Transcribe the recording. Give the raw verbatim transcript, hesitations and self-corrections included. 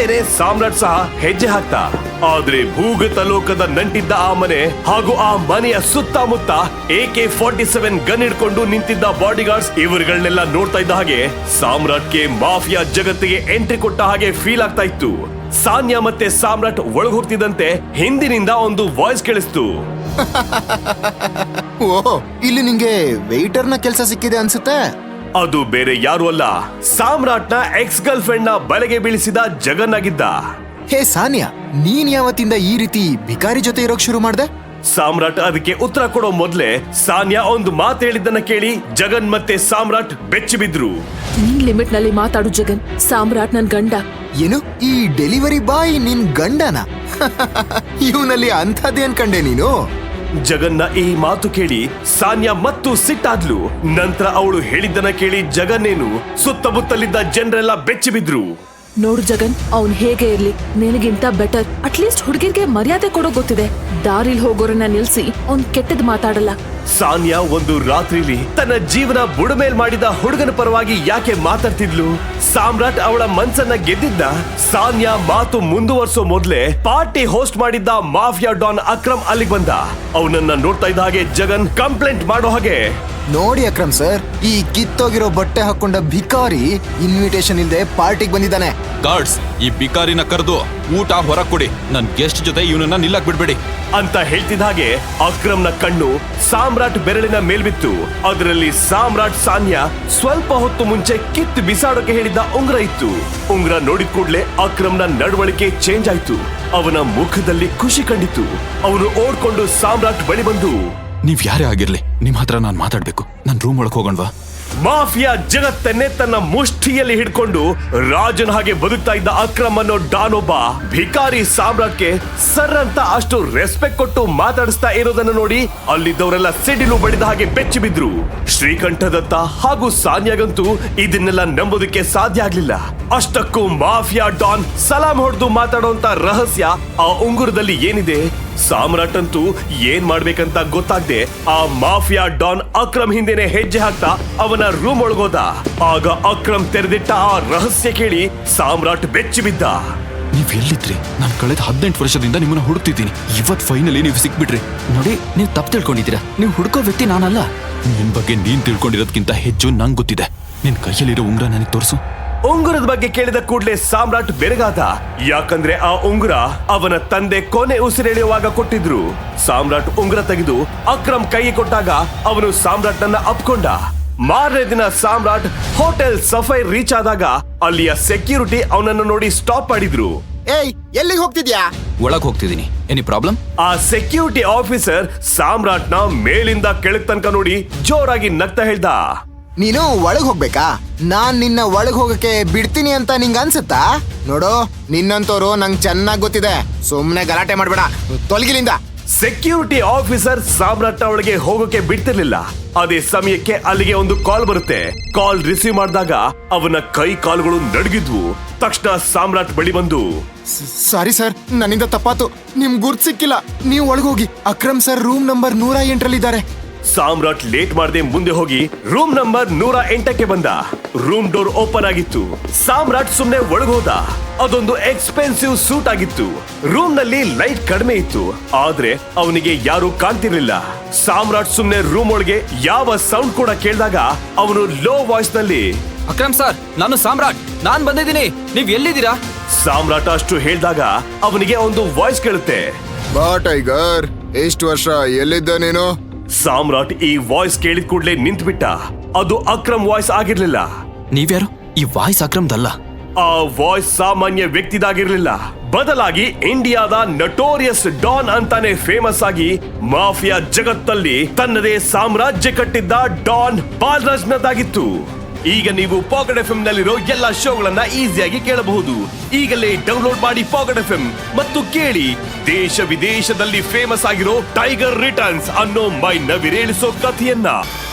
ಹಿಂದೆನೆ ಸಾಮ್ರಾಟ್ ಸಹ ಹೆಜ್ಜೆ ಹಾಕ್ತ. ಆದ್ರೆ ಭೂಗತ ಲೋಕದ ನಂಟಿದ್ದ ಆ ಮನೆ ಹಾಗೂ ಆ ಮನೆಯ ಸುತ್ತಮುತ್ತ A K forty seven gun ಹಿಡ್ಕೊಂಡು ನಿಂತಿದ್ದ ಬಾಡಿಗಾರ್ಡ್ಸ್ ಇವರುಗಳನ್ನೆಲ್ಲ ನೋಡ್ತಾ ಇದ್ದ ಹಾಗೆ ಸಾಮ್ರಾಟ್ಗೆ ಮಾಫಿಯಾ ಜಗತ್ತಿಗೆ ಎಂಟ್ರಿ ಕೊಟ್ಟ ಹಾಗೆ ಫೀಲ್ ಆಗ್ತಾ ಇತ್ತು. ಸಾನ್ಯಾ ಮತ್ತೆ ಸಾಮ್ರಾಟ್ ಒಳಗ್ ಹೋಗ್ತಿದ್ದಂತೆ ಹಿಂದಿನಿಂದ ಒಂದು ವಾಯ್ಸ್ ಕೇಳಿಸ್ತು. ಓಹ್, ಇಲ್ಲಿ ನಿಂಗೆ ವೇಟರ್ ನ ಕೆಲಸ ಸಿಕ್ಕಿದೆ ಅನ್ಸುತ್ತೆ. ಅದು ಬೇರೆ ಯಾರು ಅಲ್ಲ, ಸಾಮ್ರಾಟ್ನ ಎಕ್ಸ್ ಗರ್ಲ್ ಫ್ರೆಂಡ್ ನ ಬಲೆಗೆ ಬೀಳಿಸಿದ ಜಗನ್ ಆಗಿದ್ದ. ಹೇ ಸಾನ್ಯಾ, ನೀನ್ ಯಾವತ್ತಿಂದ ಈ ರೀತಿ ಭಿಕಾರಿ ಜೊತೆ ಇರೋಕ್ ಶುರು ಮಾಡ್ದೆ? ಸಾಮ್ರಾಟ್ ಅದಕ್ಕೆ ಉತ್ತರ ಕೊಡೋ ಮೊದ್ಲೇ ಸಾನ್ಯಾ ಒಂದು ಮಾತು ಹೇಳಿದ್ದನ್ನ ಕೇಳಿ ಜಗನ್ ಮತ್ತೆ ಸಾಮ್ರಾಟ್ ಬೆಚ್ಚಿ ಬಿದ್ರು. ನಿನ್ ಲಿಮಿಟ್ ನಲ್ಲಿ ಮಾತಾಡು ಜಗನ್. ಸಾಮ್ರಾಟ್ ನನ್ ಗಂಡ. ಏನು, ಈ ಡೆಲಿವರಿ ಬಾಯ್ ನಿನ್ ಗಂಡನ? ಇವನಲ್ಲಿ ಅಂಥದ್ದೇನ್ ಕಂಡೆ ನೀನು? ಜಗನ್ನ ಈ ಮಾತು ಕೇಳಿ ಸಾನ್ಯಾ ಮತ್ತು ಸಿಟ್ಟಾದ್ಲು. ನಂತರ ಅವಳು ಹೇಳಿದ್ದನ್ನ ಕೇಳಿ ಜಗನ್ನೇನು ಸುತ್ತಮುತ್ತಲಿದ್ದ ಜನರೆಲ್ಲ ಬೆಚ್ಚಿ ಬಿದ್ರು. ನೋಡು ಜಗನ್, ಅವ್ನ್ ಹೇಗೆ ಇರ್ಲಿ, ನಿನಗಿಂತ ಬೆಟರ್ ಅಟ್ಲೀಸ್ಟ್ ಹುಡುಗಿರ್ಗೆ ಮರ್ಯಾದೆ ಕೊಡೋ ಗೊತ್ತಿದೆ. ದಾರಿಲ್ ಹೋಗೋರನ್ನ ನಿಲ್ಸಿ ಅವ್ನ್ ಕೆಟ್ಟದ್ ಮಾತಾಡಲ್ಲ. ಸಾನ್ಯಾ ಒಂದು ರಾತ್ರಿಲಿ ತನ್ನ ಜೀವನ ಬುಡಮೇಲ್ ಮಾಡಿದ ಹುಡುಗನ ಪರವಾಗಿ ಯಾಕೆ ಮಾತಾಡ್ತಿದ್ಲು? ಸಾಮ್ರಾಟ್ ಅವಳ ಮನ್ಸನ್ನ ಗೆದ್ದಿದ್ದ. ಸಾನ್ಯಾ ಮಾತು ಮುಂದುವರ್ಸೋ ಮೊದ್ಲೇ ಪಾರ್ಟಿ ಹೋಸ್ಟ್ ಮಾಡಿದ್ದ ಮಾಫಿಯಾ ಡಾನ್ ಅಕ್ರಮ್ ಅಲ್ಲಿಗೆ ಬಂದ. ಅವನನ್ನ ನೋಡ್ತಾ ಇದ್ದ ಹಾಗೆ ಜಗನ್ ಕಂಪ್ಲೇಂಟ್ ಮಾಡೋ ಹಾಗೆ, ನೋಡಿ ಅಕ್ರಮ್ ಸರ್, ಈ ಕಿತ್ತೋಗಿರೋ ಬಟ್ಟೆ ಹಾಕೊಂಡ ಭಿಕಾರಿ ಇನ್ವಿಟೇಷನ್ ಇಲ್ದೆ ಪಾರ್ಟಿಗೆ ಬಂದಿದ್ದಾನೆ. ಗಾರ್ಡ್ಸ್, ಈ ಭಿಕಾರಿನ ಕರೆದು ಊಟ ಹೊರ ಕೊಡಿ. ನನ್ ಗೆಸ್ಟ್ ಜೊತೆ ಇವನನ್ನ ನಿಲ್ಲಕ್ ಬಿಡ್ಬೇಡಿ ಅಂತ ಹೇಳ್ತಿದ್ದ ಹಾಗೆ ಅಕ್ರಮ್ನ ಕಣ್ಣು ಸಾಮ್ರಾಟ್ ಬೆರಳಿನ ಮೇಲ್ಬಿತ್ತು. ಅದರಲ್ಲಿ ಸಾಮ್ರಾಟ್ ಸಾನ್ಯಾ ಸ್ವಲ್ಪ ಹೊತ್ತು ಮುಂಚೆ ಕಿತ್ತು ಬಿಸಾಡೋಕೆ ಹೇಳಿದ್ದ ಉಂಗ್ರ ಇತ್ತು. ಉಂಗ್ರ ನೋಡಿದ ಕೂಡ್ಲೆ ಅಕ್ರಮ್ನ ನಡವಳಿಕೆ ಚೇಂಜ್ ಆಯ್ತು. ಅವನ ಮುಖದಲ್ಲಿ ಖುಷಿ ಕಂಡಿತು. ಅವನು ಓಡ್ಕೊಂಡು ಸಾಮ್ರಾಟ್ ಬಳಿ ಬಂದು, ನೀವ್ ಯಾರೇ ಆಗಿರ್ಲಿ, ನಿಮ್ ಹತ್ರ ನಾನ್ ಮಾತಾಡ್ಬೇಕು. ನನ್ ರೂಮ್ ಒಳಗ್ ಹೋಗೋಣವಾ? ಮಾಫಿಯಾ ಜಗತ್ತನ್ನೇ ತನ್ನ ಮುಷ್ಟಿಯಲ್ಲಿ ಹಿಡ್ಕೊಂಡು ರಾಜನ ಹಾಗೆ ಬದುಕ್ತಾ ಇದ್ದ ಅಕ್ರಮ್ ಅನ್ನೋ ಡಾನೊಬ್ಬ ಭಿಕಾರಿ ಸಾಮ್ರಾಟ್ಗೆ ಸರ್ ಅಂತ ಅಷ್ಟು ರೆಸ್ಪೆಕ್ಟ್ ಕೊಟ್ಟು ಮಾತಾಡಿಸ್ತಾ ಇರೋದನ್ನು ನೋಡಿ ಅಲ್ಲಿದ್ದವರೆಲ್ಲ ಸಿಡಿಲು ಬಡಿದ ಹಾಗೆ ಬೆಚ್ಚಿ ಬಿದ್ರು. ಶ್ರೀಕಂಠದತ್ತ ಹಾಗೂ ಸಾನ್ಯಾಗಂತೂ ಇದನ್ನೆಲ್ಲ ನಂಬೋದಕ್ಕೆ ಸಾಧ್ಯ ಆಗ್ಲಿಲ್ಲ. ಅಷ್ಟಕ್ಕೂ ಮಾಫಿಯಾ ಡಾನ್ ಸಲಾಂ ಹೊಡೆದು ಮಾತಾಡೋಂತ ರಹಸ್ಯ ಆ ಉಂಗುರದಲ್ಲಿ ಏನಿದೆ? ಸಾಮ್ರಾಟ್ ಅಂತೂ ಏನ್ ಮಾಡ್ಬೇಕಂತ ಗೊತ್ತಾಗ್ದೆ ಆ ಮಾಫಿಯಾ ಡಾನ್ ಅಕ್ರಮ್ ಹಿಂದೆನೆ ಹೆಜ್ಜೆ ಹಾಕ್ತಾ ಅವನ ರೂಮ್ ಒಳಗೋದ. ಆಗ ಅಕ್ರಮ್ ತೆರೆದಿಟ್ಟ ಆ ರಹಸ್ಯ ಕೇಳಿ ಸಾಮ್ರಾಟ್ ಬೆಚ್ಚಿ ಬಿದ್ದ. ನೀವ್ ಎಲ್ಲಿದ್ರಿ? ನಾನ್ ಕಳೆದ ಹದಿನೆಂಟು ವರ್ಷದಿಂದ ನಿಮ್ಮನ್ನ ಹುಡುಕ್ತಿದ್ದೀನಿ. ಇವತ್ ಫೈನಲಿ ನೀವು ಸಿಕ್ಬಿಟ್ರಿ. ನೋಡಿ, ನೀವು ತಪ್ಪು ತಿಳ್ಕೊಂಡಿದ್ದೀರಾ. ನೀವು ಹುಡುಕೋ ವ್ಯಕ್ತಿ ನಾನಲ್ಲ. ನಿನ್ ಬಗ್ಗೆ ನೀನ್ ತಿಳ್ಕೊಂಡಿರೋದ್ಕಿಂತ ಹೆಚ್ಚು ನಂಗ್ ಗೊತ್ತಿದೆ. ನಿನ್ ಕೈಯಲ್ಲಿರೋ ಉಂಗ್ರ ನನಗೆ ತೋರಿಸು. ಉಂಗುರದ ಬಗ್ಗೆ ಕೇಳಿದ ಕೂಡಲೇ ಸಾಮ್ರಾಟ್ ಬೆರಗಾದ. ಯಾಕಂದ್ರೆ ಆ ಉಂಗುರ ಅವನ ತಂದೆ ಕೊನೆ ಉಸಿರೆಳೆಯುವಾಗ ಕೊಟ್ಟಿದ್ರು. ಸಾಮ್ರಾಟ್ ಉಂಗುರ ತೆಗೆದು ಅಕ್ರಮ್ ಕೈಗೆ ಕೊಟ್ಟಾಗ ಅವನು ಸಾಮ್ರಾಟ್ ನನ್ನ ಅಪ್ಕೊಂಡ. ಮಾರನೇ ದಿನ ಸಾಮ್ರಾಟ್ ಹೋಟೆಲ್ ಸಫೈರ್ ರೀಚ್ ಆದಾಗ ಅಲ್ಲಿಯ ಸೆಕ್ಯೂರಿಟಿ ಅವನನ್ನು ನೋಡಿ ಸ್ಟಾಪ್ ಮಾಡಿದ್ರು. ಏಯ್, ಎಲ್ಲಿಗೆ ಹೋಗ್ತಿದ್ಯಾ? ಒಳಗ್ ಹೋಗ್ತಿದ್ದೀನಿ. Any problem? ಆ ಸೆಕ್ಯೂರಿಟಿ ಆಫೀಸರ್ ಸಾಮ್ರಾಟ್ ನ ಮೇಲಿಂದ ಕೆಳಗ್ ತನಕ ನೋಡಿ ಜೋರಾಗಿ ನಗ್ತಾ ಹೇಳ್ದ, ನೀನು ಒಳಗ್ ಹೋಗ್ಬೇಕಾ? ನಾನ್ ನಿನ್ನ ಒಳಗ್ ಹೋಗಕ್ಕೆ ಬಿಡ್ತೀನಿ ಅಂತ ನಿಂಗ ಅನ್ಸತ್ತಾ? ನೋಡು, ನಿನ್ನಂತವ್ರು ನಂಗ್ ಚೆನ್ನಾಗ್ ಗೊತ್ತಿದೆ. ಸುಮ್ನೆ ಗಲಾಟೆ ಮಾಡ್ಬೇಡ, ತೊಲಗಿಲಿಂದ. ಸೆಕ್ಯೂರಿಟಿ ಆಫೀಸರ್ ಸಾಮ್ರಾಟ್ ಒಳಗೆ ಹೋಗೋಕೆ ಬಿಡ್ತಿರ್ಲಿಲ್ಲ. ಅದೇ ಸಮಯಕ್ಕೆ ಅಲ್ಲಿಗೆ ಒಂದು ಕಾಲ್ ಬರುತ್ತೆ. ಕಾಲ್ ರಿಸೀವ್ ಮಾಡಿದಾಗ ಅವನ ಕೈ ಕಾಲುಗಳು ನಡುಗಿದ್ವು. ತಕ್ಷಣ ಸಾಮ್ರಾಟ್ ಬಳಿ ಬಂದು, ಸಾರಿ ಸರ್, ನನ್ನಿಂದ ತಪ್ಪಾತು. ನಿಮ್ ಗುರ್ತ್ ಸಿಕ್ಕಿಲ್ಲ. ನೀವು ಒಳಗೋಗಿ. ಅಕ್ರಮ್ ಸರ್ ರೂಮ್ ನಂಬರ್ ನೂರ ಎಂಟರಲ್ಲಿದ್ದಾರೆ. ಸಾಮ್ರಾಟ್ ಲೇಟ್ ಮಾಡದೆ ಮುಂದೆ ಹೋಗಿ ರೂಮ್ ನಂಬರ್ ನೂರ ಎಂಟಕ್ಕೆ ಬಂದ. ರೂಮ್ ಡೋರ್ ಓಪನ್ ಆಗಿತ್ತು. ಸಾಮ್ರಾಟ್ ಸುಮ್ನೆ ಒಳಗೋದ. ಅದೊಂದು ಎಕ್ಸ್ಪೆನ್ಸಿವ್ ಸೂಟ್ ಆಗಿತ್ತು. ರೂಮ್ ನಲ್ಲಿ ಲೈಟ್ ಕಡಿಮೆ ಇತ್ತು, ಆದ್ರೆ ಅವನಿಗೆ ಯಾರು ಕಾಣ್ತಿರ್ಲಿಲ್ಲ. ಸಾಮ್ರಾಟ್ ಸುಮ್ನೆ ರೂಮ್ ಒಳಗೆ ಯಾವ ಸೌಂಡ್ ಕೂಡ ಕೇಳಿದಾಗ ಅವನು ಲೋ ವಾಯ್ಸ್ ನಲ್ಲಿ, ಅಕ್ರಮ್ ಸರ್, ನಾನು ಸಾಮ್ರಾಟ್. ನಾನ್ ಬಂದಿದ್ದೀನಿ. ನೀವ್ ಎಲ್ಲಿದ್ದೀರಾ? ಸಾಮ್ರಾಟ್ ಅಷ್ಟು ಹೇಳಿದಾಗ ಅವನಿಗೆ ಒಂದು ವಾಯ್ಸ್ ಕೇಳುತ್ತೆ. ಬಾ ಟೈಗರ್, ಎಷ್ಟು ವರ್ಷ ಎಲ್ಲಿದ್ದ ನೀನು? ಸಾಮ್ರಾಟ್ ಈ ವಾಯ್ಸ್ ಕೇಳಿದ ಕೂಡಲೇ ನಿಂತ್ಬಿಟ್ಟ. ಅದು ಅಕ್ರಮ್ ವಾಯ್ಸ್ ಆಗಿರ್ಲಿಲ್ಲ. ನೀವ್ಯಾರು? ಈ ವಾಯ್ಸ್ ಅಕ್ರಮ್ದಲ್ಲ. ಆ ವಾಯ್ಸ್ ಸಾಮಾನ್ಯ ವ್ಯಕ್ತಿದಾಗಿರ್ಲಿಲ್ಲ. ಬದಲಾಗಿ ಇಂಡಿಯಾದ ನಟೋರಿಯಸ್ ಡಾನ್ ಅಂತಾನೆ ಫೇಮಸ್ ಆಗಿ ಮಾಫಿಯಾ ಜಗತ್ತಲ್ಲಿ ತನ್ನದೇ ಸಾಮ್ರಾಜ್ಯ ಕಟ್ಟಿದ್ದ ಡಾನ್ ಬಾಲರಾಜ್ನದಾಗಿತ್ತು. ಈಗ ನೀವು ಪಾಕೆಟ್ ಎಫ್ ಎಂ ನಲ್ಲಿರೋ ಎಲ್ಲಾ ಶೋಗಳನ್ನ ಈಸಿಯಾಗಿ ಕೇಳಬಹುದು. ಈಗಲೇ ಡೌನ್ಲೋಡ್ ಮಾಡಿ ಪಾಕೆಟ್ ಎಫ್ ಎಂ ಮತ್ತು ಕೇಳಿ ದೇಶ ವಿದೇಶದಲ್ಲಿ ಫೇಮಸ್ ಆಗಿರೋ ಟೈಗರ್ ರಿಟರ್ನ್ಸ್ ಅನ್ನೋ ಮೈ ನವಿರೇಳಿಸೋ ಕಥೆಯನ್ನ.